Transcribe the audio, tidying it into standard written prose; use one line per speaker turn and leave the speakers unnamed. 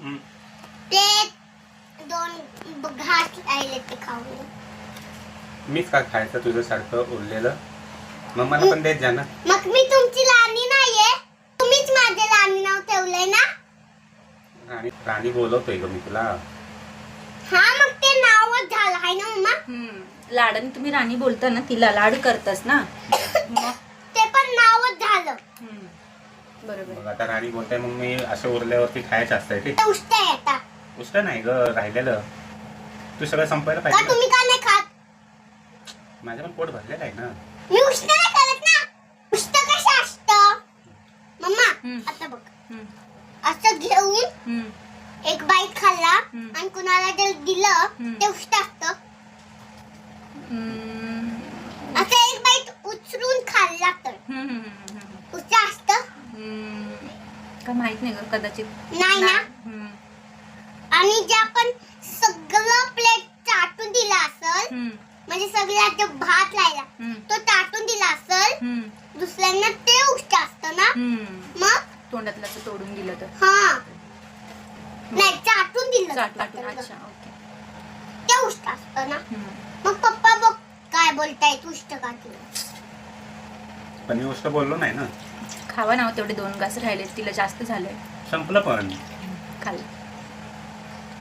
ते 2 घास राहिले ते खाऊ.
मीच का खायचं तुझं सारखं उरलेलं? मग मला पण देत जा ना.
मग मी तुमची लाणी नाहीये, तुम्हीच माझे लाणी नाव ठेवलंय ना.
राणी बोलवतोय ग मी तुला.
हा मग ते नावच झालं आहे ना मम्मा.
लाडाने तुम्ही राणी बोलता ना, तिला लाड करतास ना. मग
ते पण नावच झालं.
बरोबर.
मग आता राणी बोलताय, मग मी असं उरल्यावरती खायचं असतंय ते.
उष्ट आहे आता.
उष्ट नाही ग, राहिलेलं तू सगळं संपायला
का
पाहिजे.
तुम्ही का नाही खात?
माझं पण पोट भरलेलं आहे ना.
मी उष्ट नाही करत ना. उष्ट कसं असतं मम्मा? आता बघ, असं घेऊन एक बाईट खाल्ला आणि कुणाला जर दिलं ते उष्ट असतं. असं एक बाईट उचलून खाल्ला तर उष्ट असतं
का माहित नाही ग, कदाचित
नाही ना. आणि जे आपण सगळं प्लेट चाटून दिला असेल, म्हणजे सगळ्यात जो भात राहिला तो चाटून दिला असेल दुसऱ्यांना, ते उष्ट असतं ना. मग
तोंडातलं असं तोडून दिलं तर.
हा नाही, चाटून दिलं
चाटून. अच्छा, ओके.
ते उष्ट असतं ना. मग पप्पा बघ काय बोलताय, उष्ट का केलं?
पण मी उष्ट बोललो नाही ना.
खावा ना, तेवढे 2 घास राहिले, तिला जास्त झालंय.
संपलं पण.
खाल्लं.